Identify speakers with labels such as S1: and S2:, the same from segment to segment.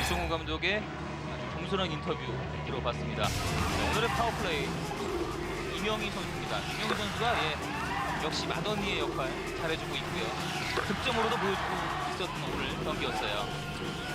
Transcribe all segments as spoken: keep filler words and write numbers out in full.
S1: 유승우 감독의 아주 겸손한 인터뷰 들어봤습니다. 자, 오늘의 파워플레이 이명희 선수입니다. 이명희 선수가 예, 역시 마더니의 역할 잘해주고 있고요. 득점으로도 보여주고 있었던 오늘 경기였어요.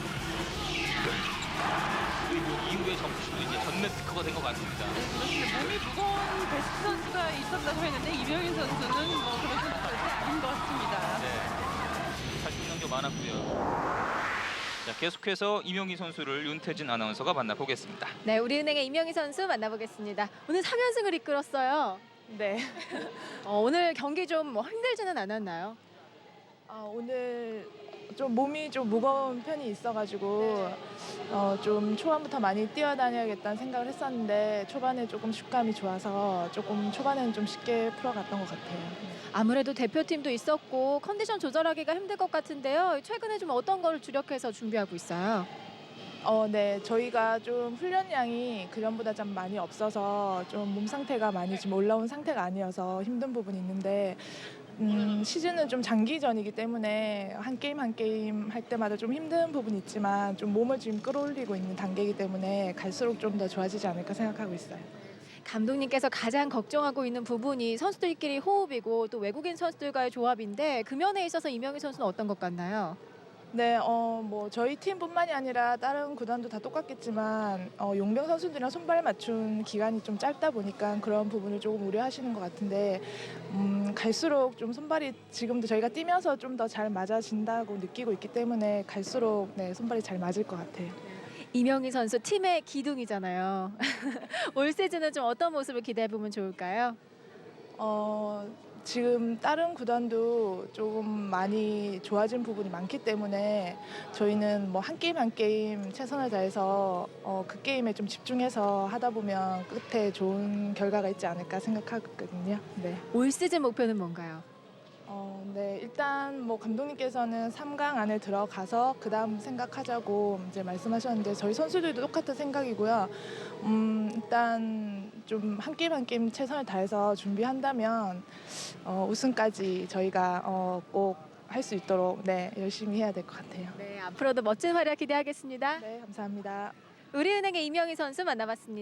S1: 그리고 이후에 점프슛도 이제 전매 특허가 된 것 같습니다.
S2: 네, 그렇습니다. 몸이 무거운 베스트 선수가 있었다고 했는데 이명희 선수는 뭐 그런 선수가 아닌 것 같습니다.
S1: 네, 팔십 경기 많았고요. 자, 계속해서 이명희 선수를 윤태진 아나운서가 만나보겠습니다.
S3: 네, 우리은행의 이명희 선수 만나보겠습니다. 오늘 삼 연승을 이끌었어요.
S4: 네.
S3: 어, 오늘 경기 좀 뭐 힘들지는 않았나요?
S4: 아, 오늘 좀 몸이 좀 무거운 편이 있어가지고 어, 좀 초반부터 많이 뛰어다녀야겠다는 생각을 했었는데 초반에 조금 슛감이 좋아서 조금 초반에는 좀 쉽게 풀어갔던 것 같아요.
S3: 아무래도 대표팀도 있었고 컨디션 조절하기가 힘들 것 같은데요. 최근에 좀 어떤 걸 주력해서 준비하고 있어요?
S4: 어, 네. 저희가 좀 훈련량이 그전보다 좀 많이 없어서 좀 몸 상태가 많이 지금 올라온 상태가 아니어서 힘든 부분이 있는데 음, 시즌은 좀 장기전이기 때문에 한 게임 한 게임 할 때마다 좀 힘든 부분이 있지만 좀 몸을 지금 끌어올리고 있는 단계이기 때문에 갈수록 좀 더 좋아지지 않을까 생각하고 있어요.
S3: 감독님께서 가장 걱정하고 있는 부분이 선수들끼리 호흡이고 또 외국인 선수들과의 조합인데 그 면에 있어서 이명희 선수는 어떤 것 같나요?
S4: 네, 어, 뭐 저희 팀뿐만이 아니라 다른 구단도 다 똑같겠지만 어, 용병 선수들이랑 손발 맞춘 기간이 좀 짧다 보니까 그런 부분을 조금 우려하시는 것 같은데 음, 갈수록 좀 손발이 지금도 저희가 뛰면서 좀 더 잘 맞아진다고 느끼고 있기 때문에 갈수록 네, 손발이 잘 맞을 것 같아요.
S3: 이명희 선수 팀의 기둥이잖아요. 올 시즌은 좀 어떤 모습을 기대해 보면 좋을까요?
S4: 어, 지금 다른 구단도 조금 많이 좋아진 부분이 많기 때문에 저희는 뭐 한 게임 한 게임 최선을 다해서 어, 그 게임에 좀 집중해서 하다 보면 끝에 좋은 결과가 있지 않을까 생각하거든요. 네.
S3: 올 시즌 목표는 뭔가요?
S4: 어, 네. 일단 뭐 감독님께서는 삼 강 안에 들어가서 그다음 생각하자고 이제 말씀하셨는데 저희 선수들도 똑같은 생각이고요. 음, 일단 좀 한 게임 한 게임 최선을 다해서 준비한다면 어, 우승까지 저희가 어, 꼭 할 수 있도록 네, 열심히 해야 될 것 같아요.
S3: 네, 앞으로도 멋진 활약 기대하겠습니다.
S4: 네, 감사합니다.
S3: 우리은행의 이명희 선수 만나봤습니다.